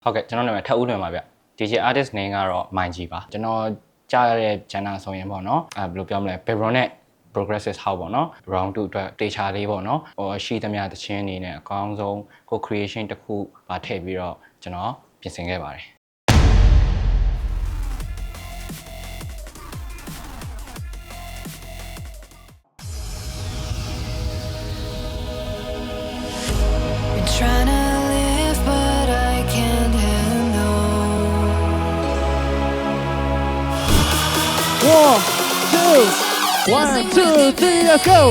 ဟုတ်ကဲ့ကျွန်တော်နာမည်ထပ်ဦးလွင်ပါဗျ DJ artist name ကတော့ Mindji ပါကျွန်တော်ကြားရတဲ့ channel ဆိုရင်ပေါ့နော်ဘယ်လိုပြောမလဲ background နဲ့ progressive house ပေါ့နော် round 2အတွက်တေချာလေးပေါ့နော်ဟိုရှိသမျှသချင်းနေနဲ့အကောင်းဆုံးကို creation တစ်ခုပါထည့်ပြီးတော့ကျွန်တော်ပြင်ဆင်ခဲ့ပါတယ် Trying to live, but I can't handle. 1, 2, 3, let's go!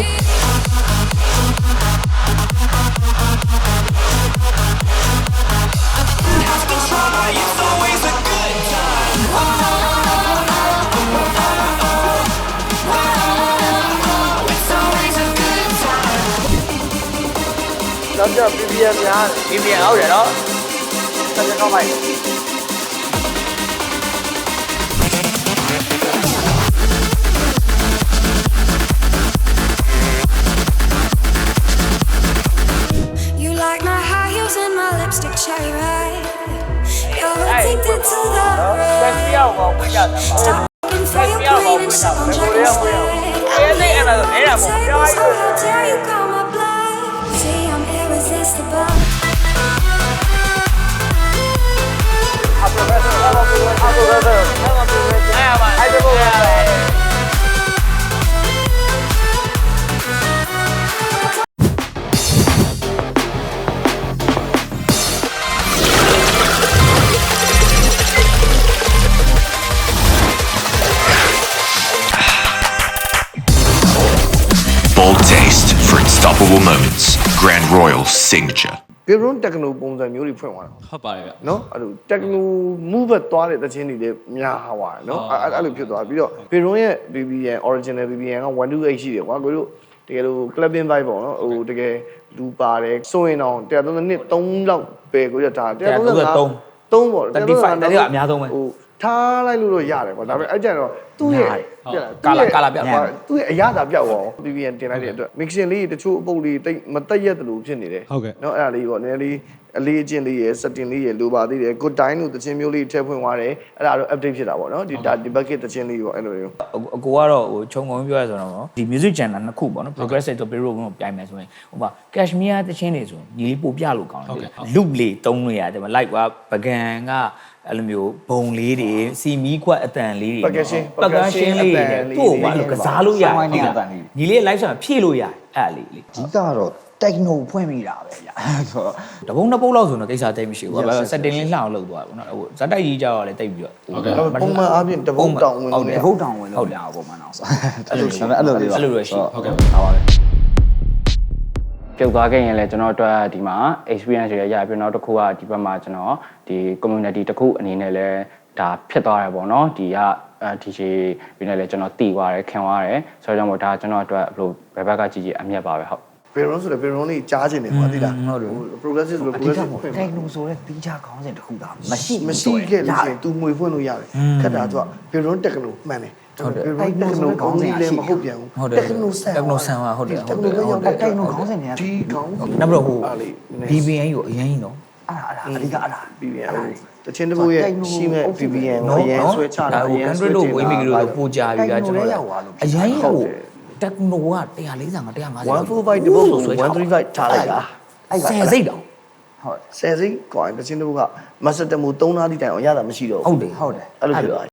Let's go, BBM များ BBM ဟုတ်တယ်နော်ဆက်ကြတော့မိုက် You like my high heels and my lipstick cherry red. You're addicted to the ဆက်ပြအောင်ပါဝင်ကြတယ်ပါ looking for your queen and so I'm trying to stay. အဲ့ဒါဆိုအဲ့ဒါမပြောရ So how dare you call my bluff? See, I'm irresistible. အပရိုဖက်ဆာအဲ့ဒါဆိုအဲ့ဒါကို Bold taste for unstoppable moments. Grand Royal signature. ဘေရွန်တက်ကနိုပုံစံမျိုးတွေဖွင့်သွားတာဟုတ်ပါတယ်ဗျနော်အဲ့လိုတက်ကနိုမူဘတ်သွားတဲ့တခြင်းတွေလည်းများသွားတယ်နော်အဲ့လိုဖြစ်သွားပြီးတော့ဘေရွန်ရဲ့ BBN original BBN က128ရှိတယ်ကွာကိုတို့တကယ်လို့ clubbing vibe ပေါ့နော်ဟိုတကယ်လူပါတယ်ဆိုရင်တော့132 3လောက်ပဲကိုရတာ133 3ပေါ့ 35တည်းကအများဆုံးပဲဟိုထားလိုက်လို့တော့ရတယ်ကွာဒါပေမဲ့အဲ့ကြတော့သူ့ရဲ့ကာလာပြောက်သွားသူ့ရဲ့အရသာပြောက်သွား BBN တင်လိုက်တဲ့အတွက် mixing လေးတချို့အပုတ်လေးတိတ်မတက်ရက်တလို့ဖြစ်နေတယ်ဟုတ်ကဲ့เนาะအဲ့ဒါလေးပေါ့နည်းနည်းလေးအလေးအကျင့်လေးရယ် setting လေးရယ်လိုပါသေးတယ် good time လို့တခြင်းမျိုးလေးထည့်ဖွင့်သွားတယ်အဲ့ဒါတော့ update ဖြစ်တာပေါ့เนาะဒီ bucket တခြင်းလေးပေါ့အဲ့လိုမျိုးအကိုကတော့ဟိုခြုံငုံပြောရဆိုတော့ဒီ music channel နှစ်ခုပေါ့နော် progressive တို့ bureau ကိုပြိုင်မယ်ဆိုရင်ဟိုမှာ cashmere တချင်းတွေဆိုညီလေးပို့ပြလို့ကောင်းတယ် loop လေးတုံးလို့ရတယ် like ကပကံကအဲ့လိုမျိုးဘုံလေးတွေစီမီခွက်အတန်လေးတွေပကံရှင်းလေးတွေတို့ဘာလို့ကစားလို့ရတယ်ညီလေး live ဆိုတာဖြည့်လို့ရတယ်အဲ့လေးလေအဓိကတော့ techno ဖွင့်မိတာပဲဗျာဆိုတော့တပုံနှစ်ပုတ်လောက်ဆိုတော့ကိစ္စတိတ်မရှိဘူးဘာလို့ setting လေးလှအောင်လုပ်သွားတယ်ပေါ့နော်ဟိုဇက်တိုက်ကြီးကြောက်ရလဲတိတ်ပြီးတော့ပုံမှန်အားဖြင့်တပုတ်တောင်ဝင်ဟုတ်တယ်ဘုတ်တောင်ဝင်လို့ရအောင်ပုံမှန်အောင်ဆိုအဲ့လိုရှိအဲ့လိုလေးပါအဲ့လိုရရှိဟုတ်ကဲ့ပါပါပဲပြုတ်သွားခဲ့ရင်လည်းကျွန်တော်တို့ဒီမှာ experience တွေရပြီးတော့တစ်ခုကဒီဘက်မှာကျွန်တော်ဒီ community တစ်ခုအနေနဲ့လည်းဒါဖြစ်သွားတယ်ပေါ့နော်ဒီကDJ ပြီးနေလည်းကျွန်တော်တည်သွားတယ်ခင်သွားတယ်ဆိုတော့ကြောင့်မို့ဒါကျွန်တော်အတွက်ဘယ်လိုဘယ်ဘက်ကကြည့်ကြည့်အမြတ်ပါပဲဟုတ်ဘေရွန်ဆိုလည်းဘေရွန်လေးကြားချင်တယ်ကွာသိလား progressive ဆိုလို့အဓိက progressive ပေါ့ဖွင့် techno ဆိုတဲ့တီးခြားခေါင်းစဉ်တစ်ခုသာမရှိမရှိခဲ့လို့ရှိရင် तू ငွေဖွင့်လို့ရတယ်ခက်တာသူကဘေရွန်တက်ကနိုမှန်တယ်ဘေရွန်တက်ကနိုခေါင်းကြီးလည်းမဟုတ်ပြန်ဘူးတက်ကနိုဆန် techno ဆန်ပါဟုတ်တယ်တက်ကနိုလည်းရောက်တဲ့ techno ခေါင်းစဉ်တွေကဒီခေါင်းနောက်ပြီးတော့ဟိုအားလေး BBN ကိုအရင်ကြီးနော်အဓိကအဲ့ဒါ BBN တချင်းတပုတ်ရဲ့ရှိမဲ့ BBN ကိုအရင်ဆွဲချတာဟို country တို့ဝေးမိကြီးတို့ပို့ကြပြီးကကျွန်တော်အရင်ကြီးဟို techno က145 150 145တပုတ်ကို135ထားလိုက်တာအဲ့ဆယ်စိတ်တောင်ဟုတ်ဆယ်စိတ်ကွာတချင်းတပုတ်ကမစတမူ3နားတိတိုင်အောင်ရတာမရှိတော့ဟုတ်တယ်ဟုတ်တယ်အဲ့လိုဖြစ်သွား